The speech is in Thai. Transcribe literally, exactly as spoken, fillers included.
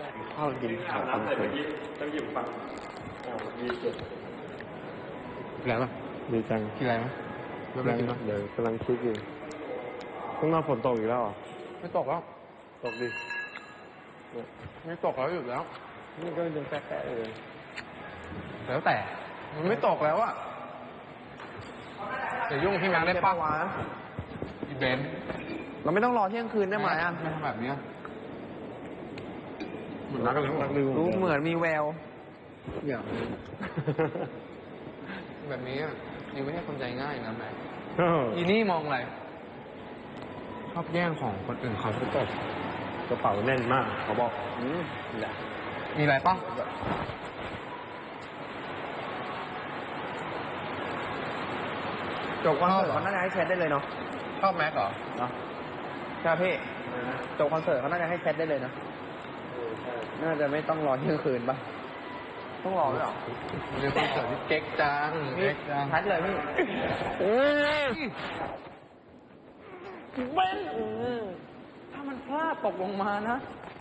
ข้าวกินข้าวคอนเสิร์ตต้องอยู่ฝั่งอ่าวีเจ็ดอะไรป่ะดีจังกินอะไรไหมไม่ได้กินป่ะเดี๋ยวกำลังคิดอยู่ข้างนอกฝนตกอีกแล้วเหรอไม่ตกแล้วตกดิไม่ตกแล้วหยุดแล้วนี่ก็ยังแป๊ะๆเลยแล้วแต่ มันไม่ตกแล้วอะจะยุ่งพี่แม็กได้ปะวะอีเบนซ์เราไม่ต้องรอเที่ยงคืนได้ไหมอ่ะไม่ทำแบบเนี้ยเหมือนรักกันแล้วรักลืมรู้เหมือนมีแววอย่าง แบบนี้อะยังไม่ใช่คนใจง่ายนะแม็กเอออีนี่มองอะไรชอบแย่งของคนอื่นเขาทุกคนกระเป๋าแน่นมากเขาบอกอืมมีอะไรปะจบคอนเสิร์ตเขาน่าจะให้แชทได้เลยเนาะชอบแม็กเหรอเนาะใช่พี่จบคอนเสิร์ตเขาน่าจะให้แชทได้เลยนะเออใช่น่าจะไม่ต้องรอเที่ยงคืนปะต้องรอด้วยเหรอมันเป็นคอนเสิร์ตที่เก๊กจังพี่เก๊กจังแชทเลยพี่เบ้นถ้ามันพลาดตกลงมานะ